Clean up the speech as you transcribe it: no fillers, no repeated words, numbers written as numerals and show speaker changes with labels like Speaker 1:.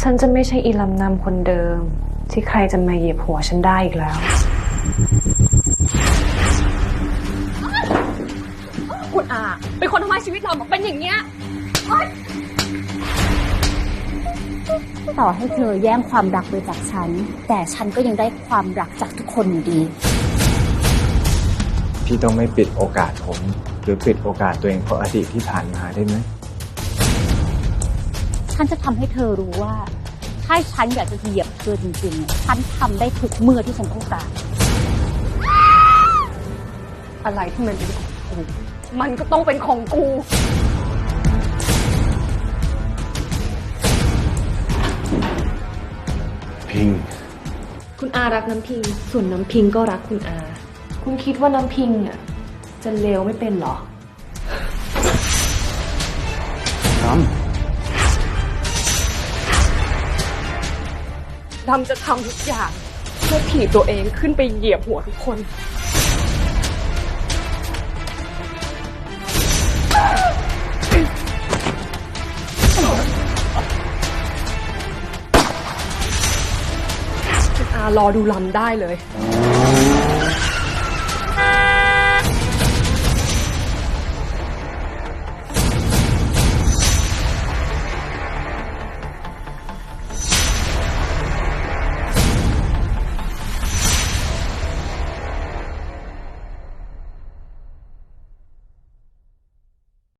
Speaker 1: ฉันจะไม่ใช่อีลำนำคนเดิมที่ใครจะมาเหยียบหัวฉันได้อีกแล้ว
Speaker 2: คุณอาเป็นคนทำให้ชีวิตเราเป็นอย่างเงี้ย
Speaker 3: ต่อให้เธอแย่งความรักไปจากฉันแต่ฉันก็ยังได้ความรักจากทุกคนอยู่ดี
Speaker 4: พี่ต้องไม่ปิดโอกาสผมหรือปิดโอกาสตัวเองเพราะอดีตที่ผ่านมาได้ไหม
Speaker 3: ฉันจะทำให้เธอรู้ว่าถ้าฉันอยากจะเหยียบเธอจริงๆฉันทำได้ทุกเมื่อที่ฉันต้องการ
Speaker 2: อะไรที่มันเป็นของกูมันก็ต้องเป็นของกู
Speaker 4: พิง
Speaker 1: คุณอารักน้ำพิงส่วนน้ำพิงก็รักคุณอาคุณคิดว่าน้ำพิงอ่ะจะเลวไม่เป็นหรอ
Speaker 2: ดำจะทำทุกอย่างเพื่อถีบตัวเองขึ้นไปเหยียบหัวทุกคนคุณอารอดูลำได้เลย